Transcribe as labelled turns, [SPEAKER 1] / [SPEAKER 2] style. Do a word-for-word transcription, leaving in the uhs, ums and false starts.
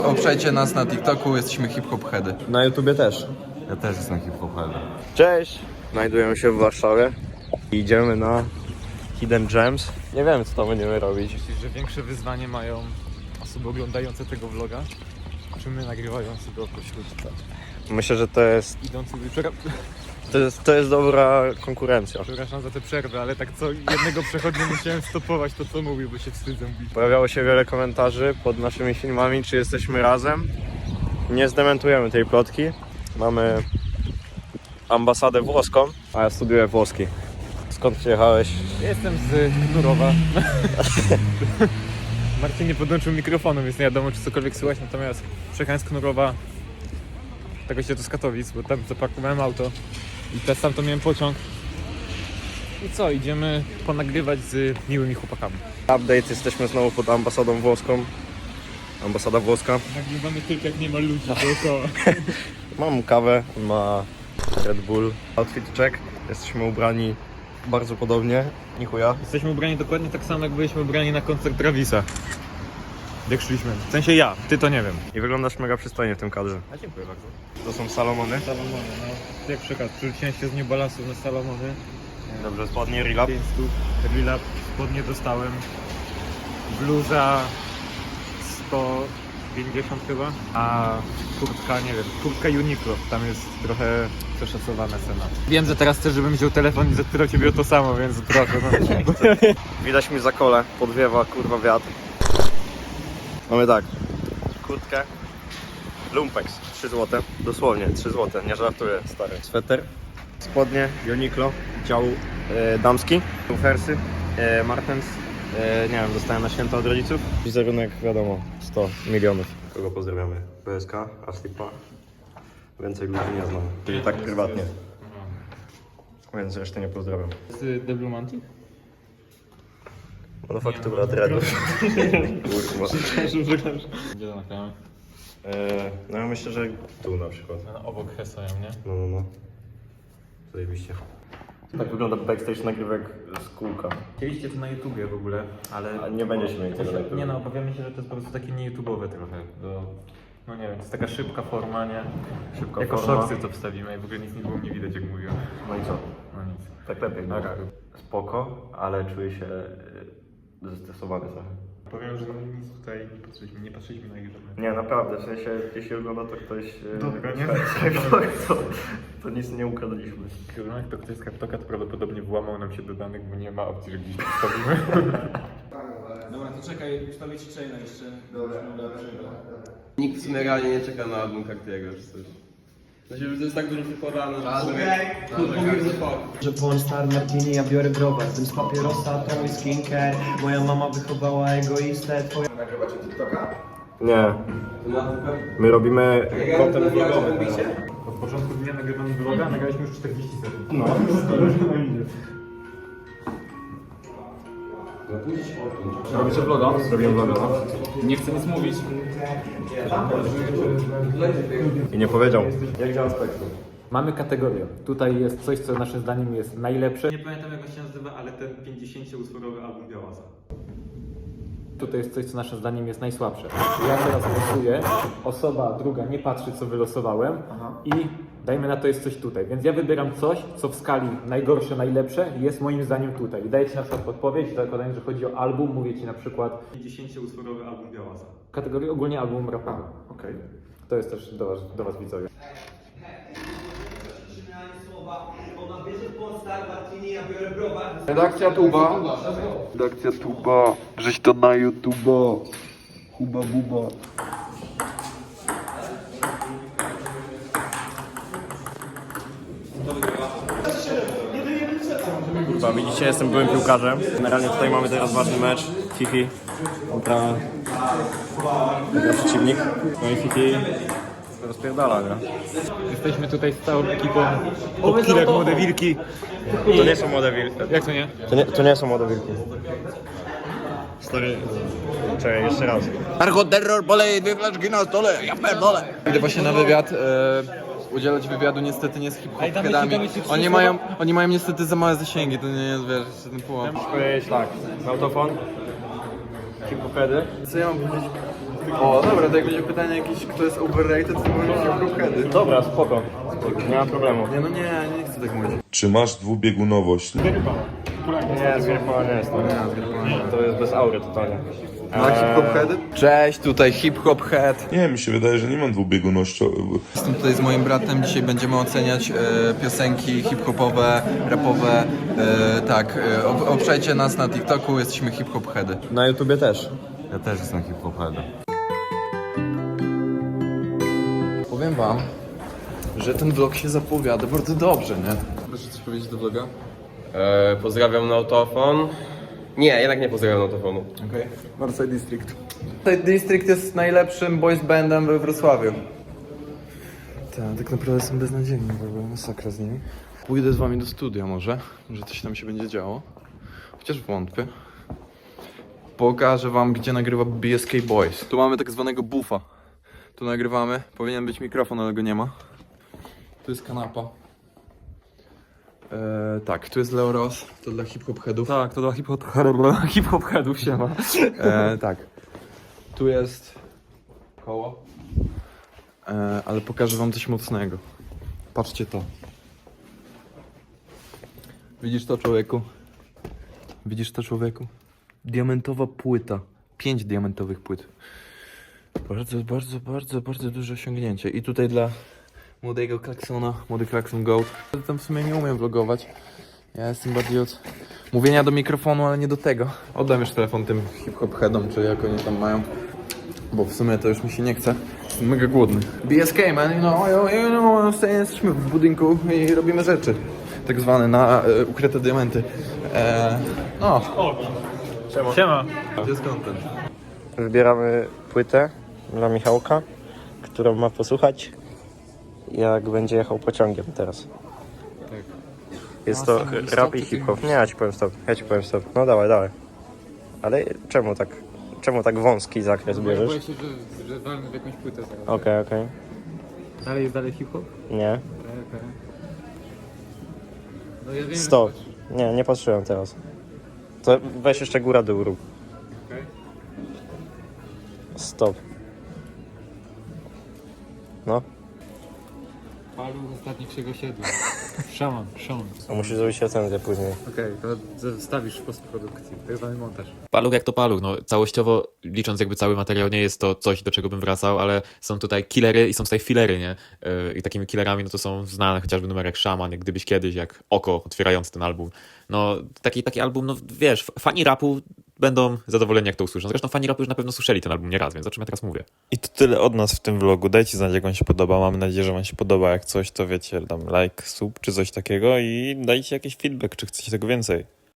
[SPEAKER 1] Obczajcie nas na TikToku, jesteśmy hip-hop heady.
[SPEAKER 2] Na YouTubie też.
[SPEAKER 1] Ja też jestem hip-hop heady.
[SPEAKER 2] Cześć! Znajdujemy się w Warszawie i idziemy na Hidden Gems. Nie wiem, co tam będziemy robić.
[SPEAKER 3] Myślisz, że większe wyzwanie mają osoby oglądające tego vloga, czy my nagrywający go pośród
[SPEAKER 2] Myślę, że to jest,
[SPEAKER 3] idących... Przera-
[SPEAKER 2] to jest, to jest dobra konkurencja.
[SPEAKER 3] Przepraszam za tę przerwę, ale tak co jednego przechodnia musiałem stopować to, co mówił, bo się wstydzę bić.
[SPEAKER 2] Pojawiało się wiele komentarzy pod naszymi filmami, czy jesteśmy razem. Nie zdementujemy tej plotki. Mamy ambasadę włoską, a ja studiuję włoski. Skąd przyjechałeś?
[SPEAKER 3] Jestem z Knurowa. Marcin nie podłączył mikrofonu, więc nie wiadomo, czy cokolwiek słychać, natomiast przyjechałem z Knurowa, tego się to z Katowic, bo tam zaparkowałem auto i teraz sam to miałem pociąg. I co, idziemy ponagrywać z miłymi chłopakami.
[SPEAKER 2] Update, jesteśmy znowu pod ambasadą włoską. Ambasada włoska.
[SPEAKER 3] Nagrywamy tylko jak nie ma ludzi dookoła.
[SPEAKER 2] Mam kawę, on ma Red Bull. Outfit check. Jesteśmy ubrani bardzo podobnie. Nichuja.
[SPEAKER 3] Jesteśmy ubrani dokładnie tak samo, jak byliśmy ubrani na koncert Travisa. Jak szliśmy. W sensie ja, ty to nie wiem.
[SPEAKER 2] I wyglądasz mega przystojnie w tym kadrze.
[SPEAKER 3] A dziękuję bardzo.
[SPEAKER 2] To są Salomony.
[SPEAKER 3] Salomony, no. Jak przekaz, przerzuciłem się z New Balance'ów na Salomony.
[SPEAKER 2] Dobrze, spodnie, relap.
[SPEAKER 3] pięć stów, relap, spodnie dostałem. Bluza sto pięćdziesiąt chyba, a kurtka, nie wiem, kurtka Uniqlo, tam jest trochę przeszacowana cena. Wiem, że teraz chcesz, żebym wziął telefon i zapytał ciebie o to samo, więc proszę. No.
[SPEAKER 2] Widać mi za kole, podwiewa kurwa wiatr. Mamy tak, kurtkę, lumpex, trzy złote, dosłownie trzy złote, nie żartuję, stary. Sweter, spodnie, Uniqlo, dział e, damski, Fersy, e, Martens, e, nie wiem, dostałem na święta od rodziców. Wizerunek, wiadomo, sto milionów. Kogo pozdrawiamy? P S K, Aslipa, więcej ludzi nie znam, czyli tak prywatnie. Więc resztę nie pozdrawiam.
[SPEAKER 3] Z The Blue Mantic?
[SPEAKER 2] Manufaktura dreadów. Kurwa.
[SPEAKER 3] Gdzie to nagrałem?
[SPEAKER 2] Eee, no ja myślę, że tu na przykład.
[SPEAKER 3] No, obok Hesają, nie?
[SPEAKER 2] No, no, no. Zajebiście. Tak wygląda backstage nagrywek z kółka.
[SPEAKER 3] Chcieliście to na YouTubie w ogóle, ale...
[SPEAKER 2] A nie będziecie mieli tego na YouTubie.
[SPEAKER 3] Nie no, obawiamy się, że to jest po prostu takie nie YouTube'owe trochę. Do... No nie wiem, to jest taka szybka forma, nie?
[SPEAKER 2] Szybka
[SPEAKER 3] jako
[SPEAKER 2] forma.
[SPEAKER 3] shortsy to wstawimy i w ogóle nic nie było nie widać, jak mówiłem.
[SPEAKER 2] No i co?
[SPEAKER 3] No nic.
[SPEAKER 2] Tak lepiej. No.
[SPEAKER 3] Tak.
[SPEAKER 2] Spoko, ale czuję się e, zestresowany trochę.
[SPEAKER 3] Powiem, że nic tutaj nie patrzyliśmy, nie patrzyliśmy na ich żadne.
[SPEAKER 2] Nie, naprawdę, w sensie jeśli ogląda to ktoś... e,
[SPEAKER 3] Dobra, nie?
[SPEAKER 2] to, to nic nie ukradliśmy.
[SPEAKER 3] Jak to ktoś z Kaptoka, to prawdopodobnie włamał nam się do danych, bo nie ma opcji, że gdzieś to wstawimy.
[SPEAKER 4] Dobra, to czekaj, ustawię ci chaina jeszcze. Dobra, dobra.
[SPEAKER 1] Nikt w sumie realnie nie czeka na album Kaktiego czy coś. To się to jest tak dużo przyporane,
[SPEAKER 4] Że Pornstar Martini, ja biorę browar. Tym z papierosa, to mój skincare. Moja mama wychowała egoistę, twoja...
[SPEAKER 2] Nie. My robimy content vlogowy.
[SPEAKER 3] Od początku dnia nagrywamy vloga, nagraliśmy już czterdzieści sekund.
[SPEAKER 2] No.
[SPEAKER 3] Robicie vloga?
[SPEAKER 2] Zrobiłem vloga, no.
[SPEAKER 3] Nie chcę nic mówić.
[SPEAKER 2] I nie powiedział. Jak działa spektrum?
[SPEAKER 3] Mamy kategorię. Tutaj jest coś, co naszym zdaniem jest najlepsze. Nie pamiętam, jak on się nazywa, ale ten pięćdziesięcioutworowy album Białasa. Tutaj jest coś, co naszym zdaniem jest najsłabsze. Ja teraz losuję, osoba druga nie patrzy, co wylosowałem. I dajmy na to jest coś tutaj. Więc ja wybieram coś, co w skali najgorsze, najlepsze jest moim zdaniem tutaj. I daję ci na przykład podpowiedź, zakładając, że chodzi o album, mówię ci na przykład pięćdziesięcioutworowy album Białasa. Kategorii ogólnie album rapowy.
[SPEAKER 2] Okej.
[SPEAKER 3] To jest też do was, do was widzowie.
[SPEAKER 1] Redakcja Tuba. Redakcja Tuba. Żeś to na YouTube'a. Huba buba.
[SPEAKER 2] Kurwa, widzicie, jestem byłym piłkarzem. Generalnie tutaj mamy teraz ważny mecz. Fifi kontra, kontra przeciwnik. No i Fifi rozpierdala, nie?
[SPEAKER 3] Jesteśmy tutaj z całą ekipą Top Killer Młode Wilki.
[SPEAKER 2] To nie są młode wilki.
[SPEAKER 3] Jak to nie?
[SPEAKER 2] To nie, to nie są młode wilki. Stary, czekaj, jeszcze raz.
[SPEAKER 1] Narkoterror, polej dwie flaszki na stole, ja pierdolę. Idę właśnie na wywiad. E... Udzielać wywiadu niestety nie z hip-hopkadami. Oni mają, oni mają niestety za małe zasięgi, to nie jest, wiesz, jeszcze ten połam.
[SPEAKER 2] Powiedzieć tak, autofon, hip-hopedy.
[SPEAKER 1] Co ja mam powiedzieć? O, dobra, to jak będzie pytanie jakieś, kto jest overrated, to mówię hip-hop-heady.
[SPEAKER 2] Dobra, spoko. spoko. Nie ma problemu.
[SPEAKER 1] Nie no nie, nie chcę tak mówić.
[SPEAKER 5] Czy masz dwubiegunowość?
[SPEAKER 2] Nie, z Gierpola nie jest. To, to jest bez aury totalnie.
[SPEAKER 1] Ma hip-hop-heady? Cześć, tutaj hip-hop-head.
[SPEAKER 5] Nie, mi się wydaje, że nie mam dwubieguności.
[SPEAKER 1] Jestem tutaj z moim bratem, dzisiaj będziemy oceniać e, piosenki hip-hopowe, rapowe. E, tak, e, ob- obczajcie nas na TikToku, jesteśmy hip-hop-heady.
[SPEAKER 2] Na YouTubie też.
[SPEAKER 1] Ja też jestem hip-hop-headem. Powiem wam, że ten vlog się zapowiada bardzo dobrze, nie? Proszę coś powiedzieć do vloga?
[SPEAKER 6] E, pozdrawiam Nautofon. Nie, jednak nie pozdrawiam Nautofonu.
[SPEAKER 1] Okej. Okay. Northside District. Northside District jest najlepszym boys bandem we Wrocławiu. Tak, tak naprawdę są beznadziejni, w ogóle masakra z nimi. Pójdę z wami do studia może, że coś tam się będzie działo. Chociaż wątpię. Pokażę wam, gdzie nagrywa B S K Boys. Tu mamy tak zwanego buffa. Tu nagrywamy. Powinien być mikrofon, ale go nie ma. Tu jest kanapa. Eee, tak, tu jest Leo Ross. To dla hip-hop headów.
[SPEAKER 3] Tak, to dla hip-hop hip headów się ma.
[SPEAKER 1] Eee, tak. Tu jest koło. Eee, ale pokażę wam coś mocnego. Patrzcie to. Widzisz to, człowieku? Widzisz to, człowieku? Diamentowa płyta. Pięć diamentowych płyt. Bardzo, bardzo, bardzo, bardzo duże osiągnięcie. I tutaj dla młodego Klaksona, młody Klakson Goat. Tam w sumie nie umiem vlogować. Ja jestem bardziej od mówienia do mikrofonu, ale nie do tego. Oddam już telefon tym hip-hop headom, czy jak oni tam mają. Bo w sumie to już mi się nie chce. Jestem mega głodny. B S K, man, you know, you know, jesteśmy w budynku i robimy rzeczy. Tak zwane na e, ukryte diamenty. E, no.
[SPEAKER 3] Siema.
[SPEAKER 1] Gdzie jest content?
[SPEAKER 2] Wybieramy płytę dla Michałka, którą ma posłuchać, jak będzie jechał pociągiem teraz.
[SPEAKER 1] Tak.
[SPEAKER 2] Jest
[SPEAKER 1] A,
[SPEAKER 2] to
[SPEAKER 1] sam mówisz
[SPEAKER 2] rap
[SPEAKER 1] stop,
[SPEAKER 2] i
[SPEAKER 1] czy ty
[SPEAKER 2] hip-hop.
[SPEAKER 1] mówisz?
[SPEAKER 2] Nie, ja ci powiem stop. Ja ci powiem stop. No dawaj, dawaj. Ale czemu tak, czemu tak wąski zakres bierzesz?
[SPEAKER 3] Boję się, że, że walmy w jakąś płytę zaraz.
[SPEAKER 2] Okej, okej.
[SPEAKER 3] Dalej jest dalej hip-hop?
[SPEAKER 2] Nie.
[SPEAKER 3] Okej, okej. No ja wiem,
[SPEAKER 2] Stop. Nie, nie patrzyłem teraz. To weź jeszcze góra dół rób.
[SPEAKER 3] Okej.
[SPEAKER 2] Stop. No.
[SPEAKER 3] Palu ostatnich osiedla. Szaman, szaman.
[SPEAKER 2] A musisz zrobić recenzję później.
[SPEAKER 3] Okej, to zostawisz w postprodukcji. Tak zwany montaż.
[SPEAKER 7] Paluch jak to paluch, no całościowo licząc jakby cały materiał nie jest to coś, do czego bym wracał, ale są tutaj killery i są tutaj filery, nie? Yy, I takimi killerami no to są znane chociażby numery jak Szaman, jak Gdybyś Kiedyś, jak Oko otwierający ten album. No taki, taki album, no wiesz, fani rapu będą zadowoleni jak to usłyszą. Zresztą fani rapu już na pewno słyszeli ten album nieraz, więc o czym ja teraz mówię.
[SPEAKER 8] I to tyle od nas w tym vlogu. Dajcie znać, jak wam się podoba. Mam nadzieję, że wam się podoba. Jak coś, to wiecie, tam like, sub czy coś takiego i dajcie jakiś feedback, czy chcecie tego więcej.